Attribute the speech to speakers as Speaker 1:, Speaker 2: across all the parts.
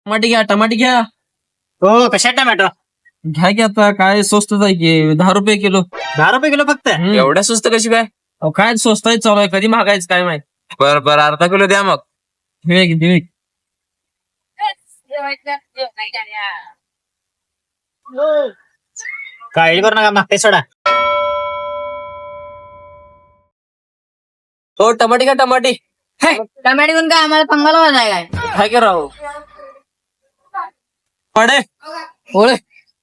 Speaker 1: टमाटे घ्या.
Speaker 2: हो कशा टमॅटो
Speaker 1: घ्या की आता काय स्वस्तच आहे की 10 रुपये किलो.
Speaker 2: 10 रुपये किलो फक्त.
Speaker 3: एवढ्या स्वस्त कशी काय?
Speaker 1: अहो, काय स्वस्त आहे चालू आहे कधी महागायचं काय माहित.
Speaker 3: बर अर्धा किलो द्या मग.
Speaker 1: दिवे
Speaker 2: काळजी करू नका मागते सोडा.
Speaker 1: हो टमाटे घ्या टमाटे.
Speaker 4: टमाटे घेऊन काय आम्हाला पंगाला वाजाय काय
Speaker 1: काय करा हो पडे ओळे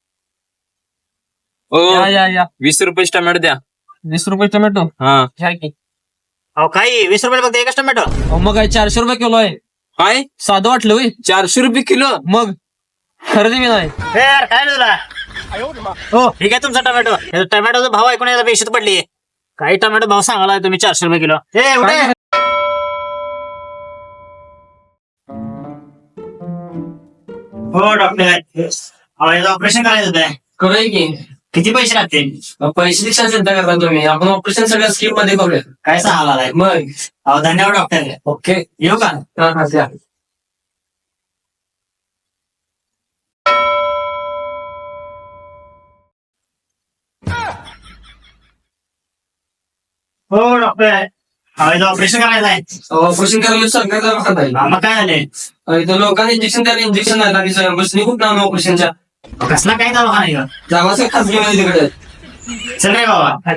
Speaker 1: या
Speaker 3: 20 रुपये टमाटर द्या.
Speaker 1: 20 रुपये टोमॅटो
Speaker 3: हा
Speaker 1: घ्या की.
Speaker 2: अहो काही 20 रुपये फक्त एकच टमॅटो.
Speaker 1: अहो, मग काय 400 रुपये किलो आहे.
Speaker 3: काय
Speaker 1: साधं वाटलं होय
Speaker 3: 400 रुपये किलो?
Speaker 1: मग खरेदी मी नाही.
Speaker 2: हे यार काय रे तुला. हो ठीक आहे तुमचा टमॅटो. टमॅटोचा भाव ऐकून यायला बेशत पडली. काही टमॅटो भाव सांगायला तुम्ही 400 रुपये किलो. हे एवढे हो डॉक्टर ऑपरेशन करायचं होतं.
Speaker 1: करूया की.
Speaker 2: किती पैसे लागतील?
Speaker 1: पैसे दिक्षा चिंता करता तुम्ही आपण ऑपरेशन सगळ्या स्कीम मध्ये करूया.
Speaker 2: काय सांगायला
Speaker 1: मग
Speaker 2: अहो धन्यवाद डॉक्टर.
Speaker 1: ओके
Speaker 2: येऊ का?
Speaker 1: द्या.
Speaker 2: हो डॉक्टर ऑपरेशन करायचं आहे.
Speaker 1: ऑपरेशन करायला सरकार दवाखाना आहे.
Speaker 2: मग काय झाले?
Speaker 1: इथं लोकांना इंजेक्शन द्यायला इंजेक्शन नाही लागली बसली खूप नाव ऑपरेशनच्या
Speaker 2: कसला काय दवाखाना आहे का?
Speaker 1: जागाचं खासगी मध्ये तिकडे.
Speaker 2: चल रे बाबा.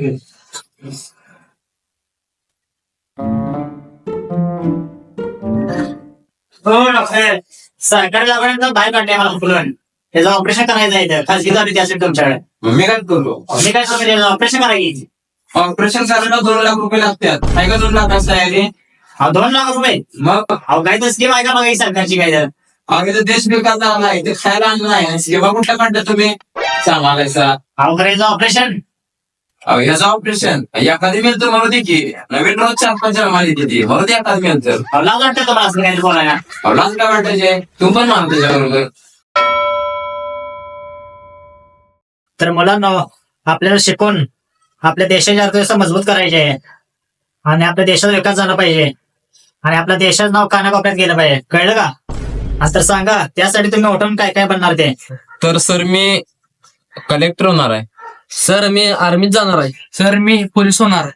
Speaker 2: हो डॉक्टर सरकारी दवाखान्यात बाहेर काढले मला फुलून. त्याचं ऑपरेशन करायचं आहे इथं. खासगी दवाखान्यात असेल तुमच्याकडे.
Speaker 3: मी काय करू?
Speaker 2: मी काय सांगतो त्याचं ऑपरेशन करायची.
Speaker 3: ऑपरेशन करायला 2 लाख रुपये लागतात. काय का 2 लाख तयारी?
Speaker 2: अहो 2 लाख रुपये.
Speaker 3: मग
Speaker 2: अहो काय तर स्कीम आहे का बघा ही सरकारची काय तर.
Speaker 3: आम्ही तर देश विकायला आलाय ते खायला आणलं नाही. सेवा कुठल्या काढता तुम्ही सांगायचा?
Speaker 2: अहो करायचं ऑपरेशन.
Speaker 3: ह्याचं ऑपरेशन एखादी मेल तर म्हणू दे की नवीन रोज 4-5 माली देते म्हणू दे एखादी मेल तर.
Speaker 2: अहो लाज वाटतं तुम्हाला असं काय बोलायला.
Speaker 3: लाज काय वाटायचे तू पण मान त्याच्याबरोबर.
Speaker 2: तर मुलांना आपल्याला शिकून आपल्या देशाची अर्थव्यवस्था मजबूत करायची आहे आणि आपल्या देशाचा विकास झाला पाहिजे आणि आपल्या देशाचं नाव कानाकोपऱ्यात गेलं पाहिजे. कळलं का? आज तर सांगा त्यासाठी तुम्ही उठून काय काय बनणार ते.
Speaker 3: तर सर मी कलेक्टर होणार आहे.
Speaker 1: सर मी आर्मीत जाणार आहे. सर मी पोलीस होणार.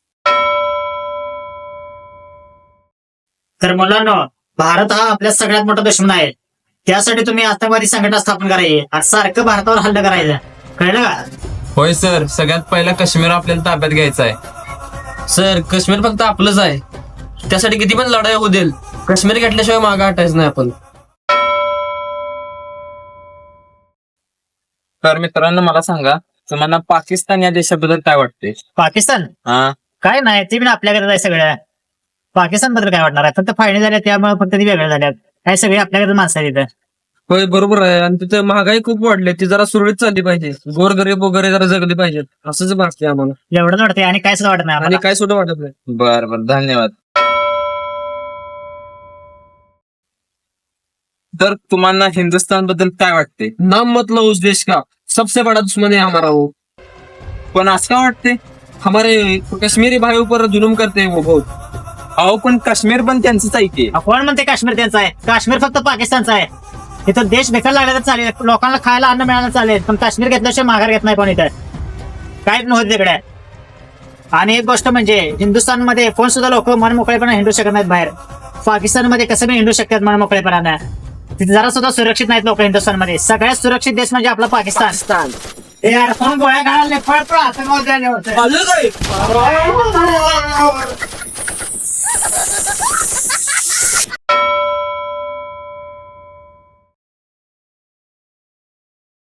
Speaker 2: तर मुलांना भारत हा आपल्या सगळ्यात मोठा दुश्मन आहे. त्यासाठी तुम्ही आतंकवादी संघटना स्थापन करायची आणि सारखं भारतावर हल्ला करायचं. कळलं का?
Speaker 3: होय सर सगळ्यात पहिला काश्मीर आपल्याला ताब्यात घ्यायचा आहे.
Speaker 1: सर काश्मीर फक्त आपलंच आहे. त्यासाठी किती पण लढाई होऊ देईल काश्मीर घेतल्याशिवाय मागं हटायचं नाही आपण.
Speaker 3: तर मित्रांनो मला सांगा तुम्हाला पाकिस्तान या देशाबद्दल काय वाटते?
Speaker 2: पाकिस्तान
Speaker 3: हा
Speaker 2: काय नाही ते पण आपल्याकडे आहे सगळ्या. पाकिस्तान बद्दल काय वाटणार आहे? फक्त फायदे झाल्या त्यामुळे फक्त ती वेगळ्या झाल्यात. काय सगळे आपल्याकडे माणसं आहेत तिथं.
Speaker 1: होय बरोबर आहे आणि तिथे महागाई खूप वाढली ती जरा सुरळीत चालली पाहिजे. गोरगरीब वगैरे जरा जगली पाहिजेत असंच वाटते आम्हाला.
Speaker 2: एवढंच वाटतंय आणि काय सुद्धा वाटत नाही
Speaker 1: आणि
Speaker 2: आम्हाला.
Speaker 1: काय सुद्धा वाटत नाही.
Speaker 3: बर धन्यवाद. तर तुम्हाला हिंदुस्थान बद्दल काय वाटते?
Speaker 1: नाम मतलब उस देश का सबसे बड़ा दुश्मन है हमारा वो.
Speaker 3: पण असं का वाटते?
Speaker 1: हमारे कश्मीरी भाइयों पर जुलूम करते हैं वो बहुत.
Speaker 3: अहो पण काश्मीर पण त्यांचंच आहे की.
Speaker 2: कोण म्हणते काश्मीर त्यांचा आहे? काश्मीर फक्त पाकिस्तानचा आहे. इथं देश बेकार लागला तर चालेल, लोकांना खायला अन्न मिळालं चालेल, पण काश्मीर घेतल्याशिवाय माघार घेत नाही कोण इथं. काहीच नव्हतं तिकडे. आणि एक गोष्ट म्हणजे हिंदुस्थानमध्ये कोण सुद्धा लोक मन मोकळेपणा हिंडू शकत नाहीत बाहेर. पाकिस्तानमध्ये कसं बी हिंडू शकतात मन मोकळेपणानं. तिथे जरा सुद्धा सुरक्षित नाहीत लोक हिंदुस्थानमध्ये. सगळ्यात सुरक्षित देश म्हणजे आपला पाकिस्तान. यार कोण गोळ्या घालायला